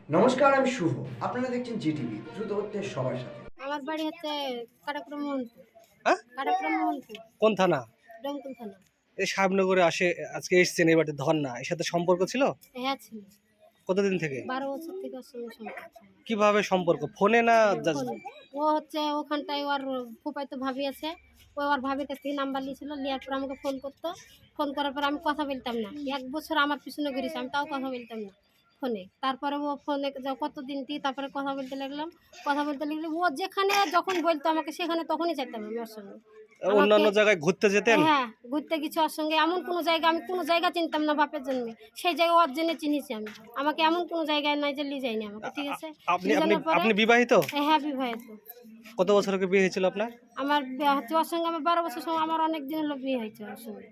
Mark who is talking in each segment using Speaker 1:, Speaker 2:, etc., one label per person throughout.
Speaker 1: নমস্কার, আমি শুভ। আপনারা দেখছেন জিটিভি, দ্রুত হচ্ছে সবার সাথে।
Speaker 2: আমার বাড়ি হচ্ছে কাটাপুরা মোহনপুর।
Speaker 3: হ্যাঁ?
Speaker 2: কাটাপুরা মোহনপুর,
Speaker 3: কোন থানা?
Speaker 2: ডোমকল থানা।
Speaker 3: এই সাহেবনগরে আজকে এসেছেন এবারে ধর্না, এর সাথে সম্পর্ক ছিল?
Speaker 2: হ্যাঁ ছিল।
Speaker 3: কতদিন থেকে?
Speaker 2: 12 বছর থেকে ওর সঙ্গে সম্পর্ক ছিল।
Speaker 3: কিভাবে সম্পর্ক? ফোনে না
Speaker 2: ফোনে। ও হচ্ছে ওখানটায় ওর ফুফাইতো ভাবি আছে, ও ওর ভাবির কাছ থেকে নাম্বার নিয়েছিল, নেওয়ার পর আমাকে ফোন করতো। ফোন করার পর আমি কথা বলতাম না, 1 বছর আমার পিছনে ঘুরেছে, আমি তাও কথা বলতাম না ফোনে। তারপরে ও ফোনে কতদিন দিয়ে তারপরে কথা বলতে লাগলাম। ও যেখানে যখন বলতো আমাকে সেখানে তখনই যেতাম আমি ওর সঙ্গে।
Speaker 3: অন্যান্য জায়গায় ঘুরতে যেতেন?
Speaker 2: হ্যাঁ, ঘুরতে গেছি ওর সঙ্গে। এমন কোনো জায়গা আমি কোনো জায়গা চিনতাম না বাপের জন্মে, সেই জায়গা ওর জন্য চিনিছি আমি। আমাকে এমন কোনো জায়গায় নাই যে নিয়ে যায়নি আমাকে, ঠিক আছে?
Speaker 3: আপনি
Speaker 2: নিয়ে
Speaker 3: আপনি
Speaker 2: যাওয়ার পরে
Speaker 3: আপনি বিবাহিত?
Speaker 2: হ্যাঁ বিবাহিত।
Speaker 3: কত বছর আগে বিয়ে হয়েছিল আপনার?
Speaker 2: আমার বিয়ে হচ্ছে ওর সঙ্গে, আমার 12 বছর সময়, আমার অনেক দিন হলো বিয়ে হয়েছে ওর সঙ্গে।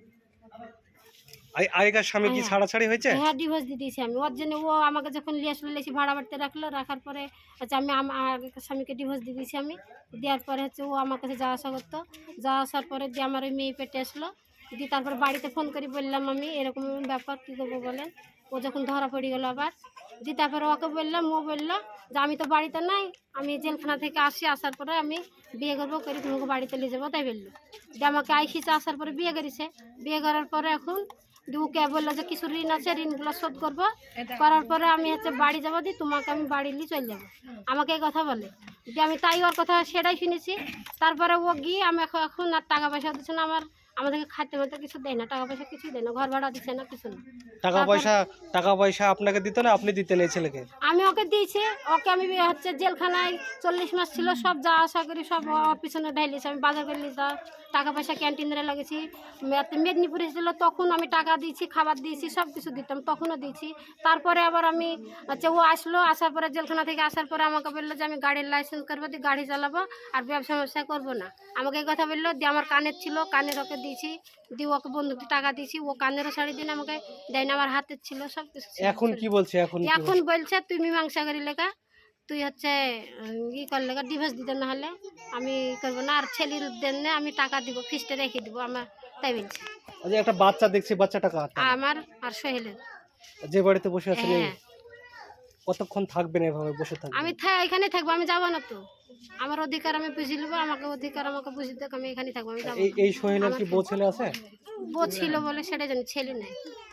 Speaker 3: আগেকার স্বামী কি
Speaker 2: হ্যাঁ।
Speaker 3: ছাড়াছাড়ি হয়েছে?
Speaker 2: হ্যাঁ, ডিভোর্স দিয়ে দিয়েছি আমি ওর জন্য। ও আমাকে যখন নিয়ে আসলো, লেসি ভাড়া বাড়িতে রাখলো, রাখার পরে হচ্ছে আমি আমার আগেকার স্বামীকে ডিভোর্স দিয়ে দিয়েছি আমি। দেওয়ার পরে হচ্ছে ও আমার কাছে যাওয়া আসা করতো। যাওয়া আসার পরে দিয়ে আমার ওই মেয়ে পেটে আসলো। দিয়ে তারপরে বাড়িতে ফোন করে বললাম আমি এরকম ব্যাপার, কী করবো বলেন। ও যখন ধরা পড়ে গেলো আবার, দিয়ে তারপরে ওকে বললাম, ও বললো যে আমি তো বাড়িতে নাই, আমি জেলখানা থেকে আসার পরে আমি বিয়ে করবো, করে তোমাকে বাড়িতে নিয়ে যাবো, তাই বললো। দিয়ে আমাকে আইসিতে আসার পরে বিয়ে করেছে। বিয়ে করার পরে এখন ওকে বললো যে কিছু ঋণ আছে, ঋণগুলো শোধ করবো। করার পরে আমি হচ্ছে বাড়ি যাবো, দিয়ে তোমাকে আমি বাড়ি নিয়ে চলে যাবো, আমাকে এই কথা বলে। যে আমি তাই ওর কথা সেটাই শুনেছি। তারপরে ও গিয়ে আমি এখন আর টাকা পয়সা দিচ্ছে না, আমাদেরকে খাইতে মাতে কিছু দেয় না, টাকা পয়সা কিছুই দেয় না, ঘর ভাড়া দিচ্ছে না, কিছু না।
Speaker 3: টাকা পয়সা আপনাকে দিত না, আপনি দিতেন এই ছেলেকে?
Speaker 2: আমি ওকে দিয়েছি। ওকে আমি হচ্ছে জেলখানায় 40 মাস ছিল, সব যা আশা করি সব ওর পিছনে ঢাইলেছি। আমি বাজার করে নিতাম, টাকা পয়সা ক্যান্টিনে লাগিয়েছি। মেদিনীপুরে ছিল তখন আমি টাকা দিয়েছি, খাবার দিয়েছি, সব কিছু দিতাম, তখনও দিয়েছি। তারপরে আবার আমি হচ্ছে ও আসলো, আসার পরে জেলখানা থেকে আসার পরে আমাকে বললো যে আমি গাড়ির লাইসেন্স করবো, দিয়ে গাড়ি চালাবো, আর ব্যবসা করবো না। আমাকে এই কথা বললো। দিয়ে আমার কানের ছিল, কানের ওকে দিয়েছি, দিয়ে ওকে বন্ধুকে টাকা দিয়েছি, ও কানেরও শাড়ি দিন আমাকে দেয় না, আমার হাতের ছিল, সব কিছু ছিল।
Speaker 3: এখন কি বলছে?
Speaker 2: এখন বলছে তুই মীমাংসা করি লেখা, তুই হচ্ছে ই কর লেখা, ডিভোর্স দিতে না হলে আমি করবো না, আর ছেলের দেন না, আমি টাকা দিব, ফিস্টে রেখে দিব আমার, তাই বলছে।
Speaker 3: যে একটা বাচ্চা দেখছি, বাচ্চাটা কার?
Speaker 2: আমার আর সোহেলের।
Speaker 3: যে বাড়িতে বসে আছেন,
Speaker 2: হ্যাঁ,
Speaker 3: কতক্ষণ থাকবেন এভাবে বসে থাকবেন?
Speaker 2: আমি এখানে থাকবো, আমি যাবো না তো। আমার অধিকার আমি বুঝে নেবো, আমাকে অধিকার আমাকে বুঝে দেখ, আমি এখানে থাকবো, আমি যাবো না।
Speaker 3: এই সোহেলের কি বউ ছেলে আছে?
Speaker 2: বউ ছিল বলে সেটা জানি, ছেলে নেই।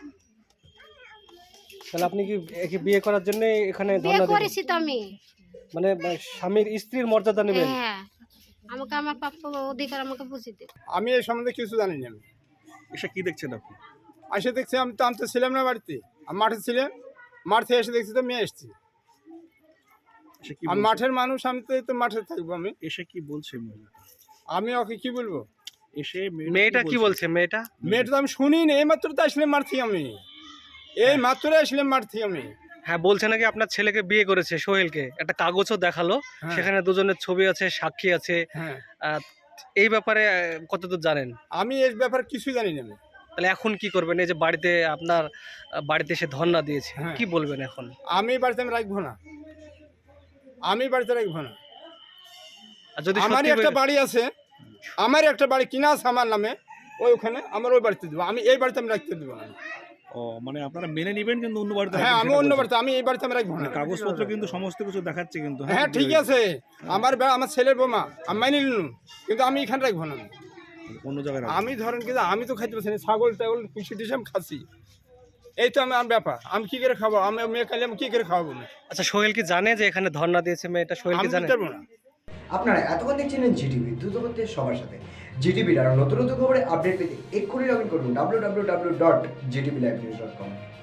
Speaker 3: তাহলে আপনি কি একে বিয়ে করার জন্য এখানে
Speaker 2: বিয়ে
Speaker 3: ধর্ণা
Speaker 2: করেছি তো আমি।
Speaker 3: মানে স্বামীর স্ত্রীর মর্যাদা নেবেন?
Speaker 2: হ্যাঁ, আমাকে আমার প্রাপ্য অধিকার আমাকে বুঝে দে।
Speaker 4: আমি এই সম্বন্ধে কিছু জানি না। আমি
Speaker 5: এসে কি দেখছেন আপনি?
Speaker 4: এসে দেখছি, আমি তো ছিলাম না বাড়িতে, আমি মাঠে ছিলাম। মাঠ থেকে এসে দেখছি তো মেয়ে এসছি।
Speaker 5: এসে কি
Speaker 4: আমি
Speaker 5: বলছে?
Speaker 4: মাঠের মানুষ, আমি তো মাঠে থাকবো।
Speaker 5: এসে কি বলছে মহিলাটা?
Speaker 4: আমি ওকে কি বলবো?
Speaker 5: এসে
Speaker 3: মেয়েটা কি বলছে? মেয়েটা
Speaker 4: মেয়েটা তো আমি শুনি না, এই মাত্র তো আসলাম মাঠ থেকে আমি, এই মাত্র আসলাম মাঠ থেকে আমি।
Speaker 3: হ্যাঁ, বলছে নাকি আপনার ছেলেকে বিয়ে করেছে সোহেলকে, একটা কাগজও দেখালো,
Speaker 4: হ্যাঁ।
Speaker 3: সেখানে দুজনের ছবি আছে, সাক্ষী আছে।
Speaker 4: হ্যাঁ,
Speaker 3: এই ব্যাপারে কতদূর জানেন?
Speaker 4: আমি এই ব্যাপারে কিছুই জানি না। আমি
Speaker 3: তাহলে এখন কি করবেন? এই যে বাড়িতে আপনার বাড়িতে এসে ধর্ণা দিয়েছে,
Speaker 4: হ্যাঁ।
Speaker 3: কি বলবেন এখন?
Speaker 4: আমি বাড়িতে আমি রাখবো না, আমি বাড়িতে রাখবো না।
Speaker 3: আর যদি
Speaker 4: আমারই
Speaker 3: সত্যি
Speaker 4: একটা বাড়ি আছে, আমার একটা বাড়ি কিনা আছে আমার নামে, ওখানে আমার ওই বাড়িতে দেবো, আমি এই বাড়িতে আমি রাখতে দেবো না।
Speaker 5: ও মানে আপনারা মেনে নেবেন কিন্তু অন্য বাড়িতে
Speaker 4: হ্যাঁ,
Speaker 5: রাখবেন
Speaker 4: আমি
Speaker 5: সেটা
Speaker 4: অন্য
Speaker 5: বলছেন।
Speaker 4: বাড়িতে, আমি এই বাড়িতে আমি রাখবো না।
Speaker 5: কাগজপত্র কিন্তু সমস্ত কিছু দেখাচ্ছে কিন্তু।
Speaker 4: হ্যাঁ ঠিক আছে, আমার ছেলের বোমা আমি মাইনে নিলাম, কিন্তু আমি এখানে রাখবো না।
Speaker 5: অন্য জায়গায় রাখবেন।
Speaker 4: আমি ধরেন কিন্তু আমি তো খাইতে পারছি না, ছাগল টাগল পুষি টুষি আমি খাচ্ছি, এই তো আমার ব্যাপার। আমি কি করে খাবো? আমি মেয়ে খাইলে আমি কি করে খাওয়াবো?
Speaker 3: আচ্ছা, সোহেল কি জানে যে এখানে ধর্ণা দিয়েছে মেয়েটা? সোহেল
Speaker 4: আমি
Speaker 3: কি জানে?
Speaker 4: দিতে পারবো না।
Speaker 1: আপনারা এতক্ষণ দেখছিলেন জিটিভি, দ্রুত হচ্ছে সবার সাথে। জিটিভির আরও নতুন নতুন খবরে আপডেট পেতে এক্ষুনি লগ ইন করুন www.gtblivenews.com।